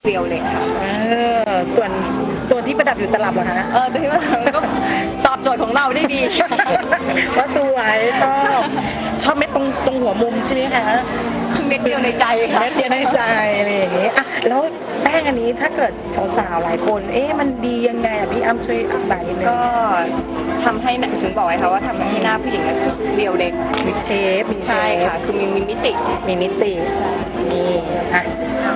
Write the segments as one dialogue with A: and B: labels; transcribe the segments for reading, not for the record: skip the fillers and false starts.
A: เรียวเลยค่ะ
B: ส่วนตัวที่ประดับอยู่ตลับเหรอคะ
A: ตัวที่ว่าก็ตอบโจทย์ของเราได้ดี
B: ก็สวยชอบเม็ดตรงหัวมุมใช่ไหมคะ
A: คือเม็ดเดียวในใจค่ะ
B: เม็ดเดียวในใจอะไรอย่างนี้อ่ะแล้วแป้งอันนี้ถ้าเกิดสาวๆหลายคนมันดียังไงอ่ะพี่อ้ำช่วยอธิบายนิดนึง
A: ก็ทำให้ถึงบอกไว้ค่ะว่าทำให้หน้าผู้หญิงเรียวเล็ก
B: มีเชฟ
A: ใช่ค่ะคือมีมิติ
B: ใช่นี่อ่ะ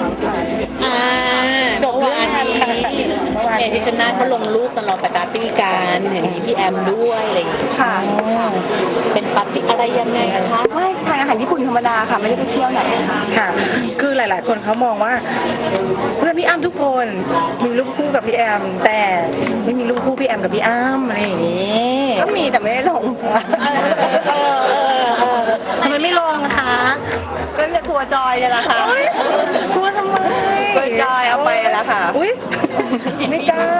C: จบเรื่องนี้พี่ชนะเขาลงรูปตลอดปาร์ตี้กันเห็นมีพี่แอมด้วยอะไรอย่างเงี้ย
A: ค่ะ
C: เป็นปาร์ตี้อะไรยังไงคะ
A: ไม่ทานอาหารญี่ปุ่นธรรมดาค่ะไม่ได้ไปเที่ยวไหน
B: ค่ะคือหลายๆคนเขามองว่าเพื่อนพี่อ้ำทุกคนมีรูปคู่กับพี่แอมแต่ไม่มีรูปคู่พี่แอมกับพี่อ้ำอะไรอย่างนี้
A: ก็มีแต่ไม่ได้ลง
B: ทำไมไม่ลงคะ
A: ก็จะกลัวจอยเนี่ยแหละค่ะ
B: กลัวทำไม
A: กลัวจอยเอาไปแล้วค่ะ
B: อุ้ยไม่กล้า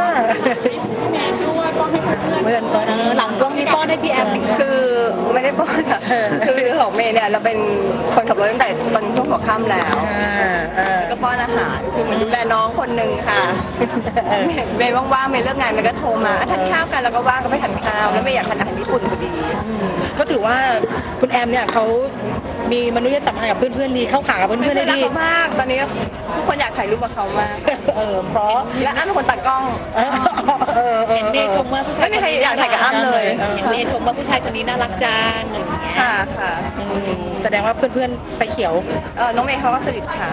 C: หลังกล้องนี่ป้อนให้พี่แอม
A: คือไม่ได้ป้อนค่ะคือของเมย์เนี่ยเราเป็นคนขับรถตั้งแต่ตอนช่วงหัวค่ำแล้วก็ป้อนอาหารคือเหมือนดูแลน้องคนหนึ่งค่ะเมย์ว่างๆเมย์เลิกงานเมย์ก็โทรมาทานข้าวกันแล้วก็ว่างก็ไปทานข้าวแล้วเมย์อยากทานอาหารญี่ปุ่นพอดี
B: ก็ถือว่าคุณแอมเนี่ยเขามีมนุษยสัมพันธ์กับเพื่อนๆดีเข้าขากับเพื่อนๆได้ดี
A: มากตอนนี้ทุกคนอยากถ่ายรูปกับเขามาก
B: เพราะ
A: และอ้ำเป็นคนตัดกล้อง
C: เห็นเมย์ชมว่าผู้ชาย
A: ไม่มีใครอยากถ่ายกับอ้ำเลย
C: เห็นเมย์ชมว่าผู้ชายคนนี้น่ารักจัง
A: ค่ะ
B: แสดงว่าเพื่อนๆไฟเขียว
A: น้องเมย์เขาก็สนิทค่ะ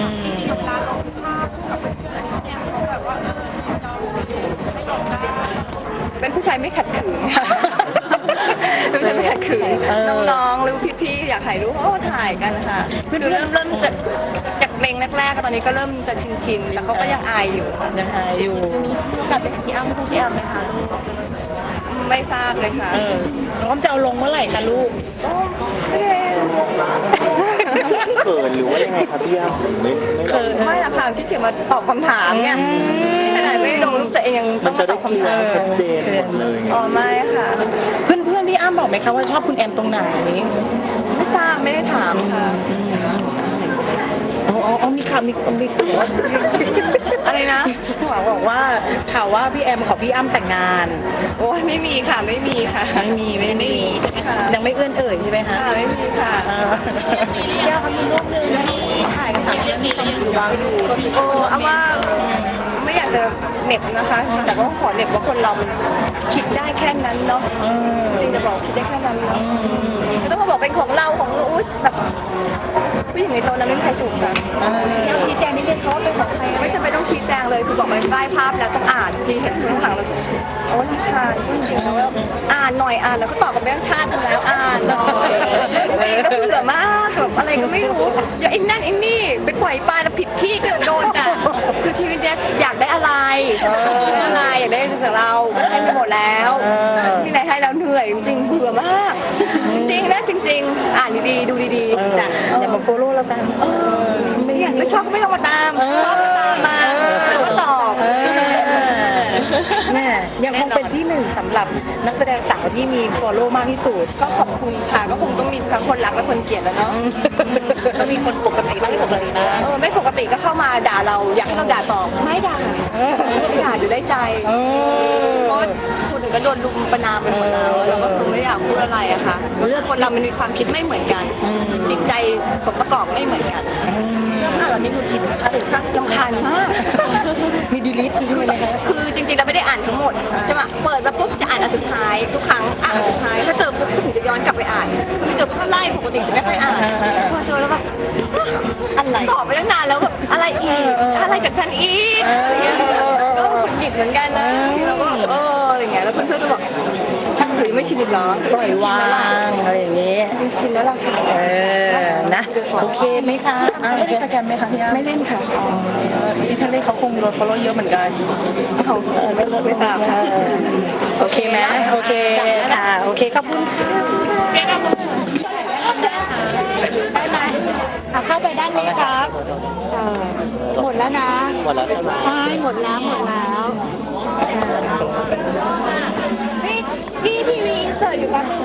A: เป็นผู้ชายไม่ขัดขืนค่ะเป็นผู้ชายไม่ขัดขืนน้องๆหรือพี่ๆอยากถ่ายรูปเขาก็ถ่ายกันค่ะคือเริ่มจากเพลงแรกๆตอนนี้ก็เริ่มจะชินๆแต่เขาก็ยังอายอยู่
C: มีโอกาสไปเห็นพี่อ้ำพี่แอมไหมคะ
A: ไม่ทราบเลยค่ะ
B: น้องจะเอาลงเมื่อไหร่คะลูก
D: เขินหรือว่ายังไงครับพี่อ้ำ
A: ไม่ละค่ะที่เกี่ยวมาตอบคำถามเนี่ยขนาดไม่ลงรูปตัวเองยังต้อง
D: จะได้เคลียร์ชัดเจนหมดเลย
A: ไม่ค่ะ
B: เพื่อนๆพี่อ้ำบอกไหมคะว่าชอบคุณแอมตรงไหน
A: ไม่ทราบไม่ได้ถามค่ะ
B: มีข่าวมี
A: อะไรนะ
B: บอกว่าข่าวว่าพี่แอมขอพี่อ้ำแต่งงาน
A: โอ้ยไม่มีค่ะไม่มีค่ะ
B: ไม่มีใช่ไหมคะยังไม่เอื้อนเอ่ยใช่ไหมคะ
A: ไม่มีค่ะ
C: อยากมีรูปนึงที่ถ่ายกับสาวที่เขาอยู่บ้างอยู่
A: เอาว่าไม่อยากจะเหน็บนะคะแต่ก็ขอเหน็บว่าคนเรามันคิดได้แค่นั้นเนาะจริงจะบอกคิดได้แค่นั้นเนาะไม่ต้องมาบอกเป็นของเราของนู้นแบบผู้หญิงในโต๊ะนั้นไม่มีใครสูงค่ะเราชี้แจงนิดนึงเขาว่าเป็นของใครไม่จำเป็นต้องชี้แจงเลยคือบอกมันได้ภาพแล้วต้องอ่านทีเห็นข้างหลังเราโอ้รำคาญจริงๆแล้วอ่านหน่อยอ่านแล้วก็ตอบกับเรื่องชาติกันแล้วอ่านหน่อยก็เบื่อมากแบบอะไรก็ไม่รู้อย่าไอ้นั่นไอ้นี่ไปปล่อยปลาแล้วผิดที่ก็โดนด่าคือชีวิตเนี้ยอยากได้อะไรอยากได้จากเราก็ให้ไปหมดแล้วที่ไหนให้แล้วเหนื่อยจริงๆเบื่อมากจริงนะจริงๆอ่านดีๆดูดีๆจ้ะ
B: อย่ามาโฟโล่แล้วกัน
A: ไม่ชอบก็ไม่ต้องมาตามชอบก็ตามมาแล้วก็ตอบ
B: แม่ยังคงเป็นที่หนึ่งสำหรับนักแสดงสาวที่มีฟอลโล่มากที่สุด
A: ก็ขอบคุณค่ะก็คงต้องมีทั้งคนรักและคนเกลียดแล้วเนาะ
C: ต้องมีคนปกติบ้างไม่ปกติบ้าง
A: ไม่ปกติก็เข้ามาด่าเราอยากให้เราด่าตอบไม่ด่าไม่ด่าอยู่ได้ใจเพราะคนอื่นก็โดนลุมประนามไปหมดแล้วเราก็คงไม่อยากพูดอะไรอะค่ะเรื่องคนเรามันมีความคิดไม่เหมือนกันจิตใจสมประกอบไม่เหมือนกัน
C: เราไม่รู้ผิดนะคะหรือช่าง
A: รำคาญมาก
B: มีดีลิททิ้งเลยนะคะ
A: คือจริงๆเราไม่ได้อ่านทั้งหมดจะมาเปิดมาปุ๊บจะอ่านอันสุดท้ายทุกครั้งอ่านอันสุดท้ายถ้าเจอปุ๊บก็ถึงจะย้อนกลับไปอ่านถ้าเจอก็ไล่ปกติจะไม่ค่อยอ่านพอเจอแล้วแบบ
C: อะไร
A: ตอบไปตั้งนานแล้วแบบอะไรอีกอะไรจากฉันอีกอะไรเงี้ยก็หงุดหงิดเหมือนกันนะที่เราก็อะไรเงี้ยแล้วเพื่อนๆก็บอกช่างหรือไม่ชินหรอ
B: ปล่อยวางอะไรอย่างเงี้ย
A: ชินแล้วล่ะค่ะ
B: นะโอเคไหมคะ
C: ไม่ได้สแกนไหมคะพี่
A: ไม่เล่นค่ะ
C: ที่ท่านเล่นเขาคงโดนฟอลโล่เยอะเหมือนกัน
A: เขาไม่ทราบค่ะ
B: โอเคไหมโอเคค่ะโอเคขอบคุณ
E: ได้ไหมเข้าไปด้านนี้ครับหมดแล้วนะ
D: หมดแล้วใช่ไหม
E: ใช่หมดแล้ว
A: พี่ทีวีเสิร์ฟอยู่แป๊บนึง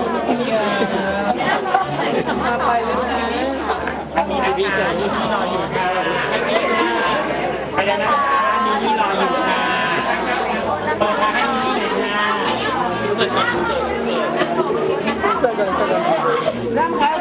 D: ทีวีเกิดที่นอนอยู่
F: แล้วนะคะมีนี่รออยู่ค่ะเปิดมาให้มีนี่เลยค่ะ
B: เสร็จก่อนเริ่มครับ